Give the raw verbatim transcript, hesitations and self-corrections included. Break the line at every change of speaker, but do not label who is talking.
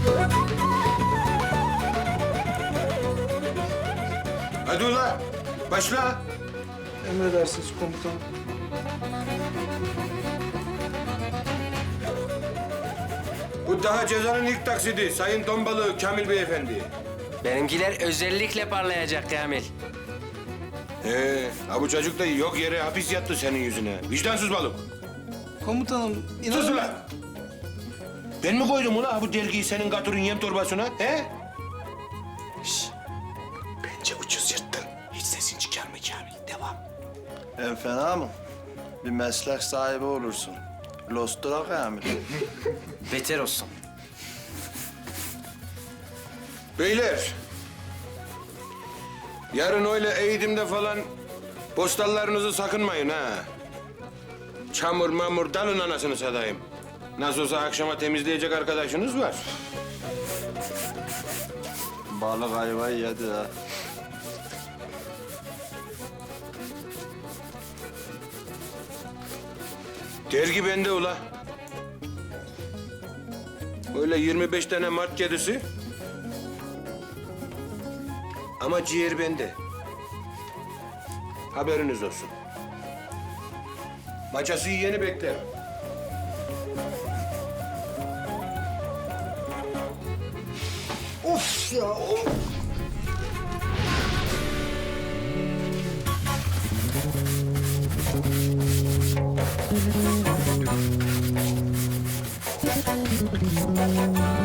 Hadi ula, başla.
Emredersiniz komutanım.
Bu daha cezanın ilk taksidi Sayın Tombalı Kamil Beyefendi.
Benimkiler özellikle parlayacak Kamil.
Ee, ha bu çocuk da yok yere hapis yattı senin yüzüne. Vicdansız balık.
Komutanım
Sus
inanın...
ulan! Ben mi koydum ula bu dergiyi senin gaturun yem torbasına, he? Şş, bence ucuz yırttın. Hiç sesin çıkarma Kamil, devam.
En fena mı? Bir meslek sahibi olursun. Lostura Kamil.
Beter olsun.
Beyler, yarın öyle eğitimde falan postallarınızı sakınmayın ha. Çamur mamur dalın anasını satayım. Nasıl olsa akşama temizleyecek arkadaşınız var.
Balık ayvayı yedi ha.
Dergi bende ula. Öyle yirmi beş tane mart kedisi. Ama ciğer bende. Haberiniz olsun. Maçası yeni bekler.
Of ya! Of.
Thank you.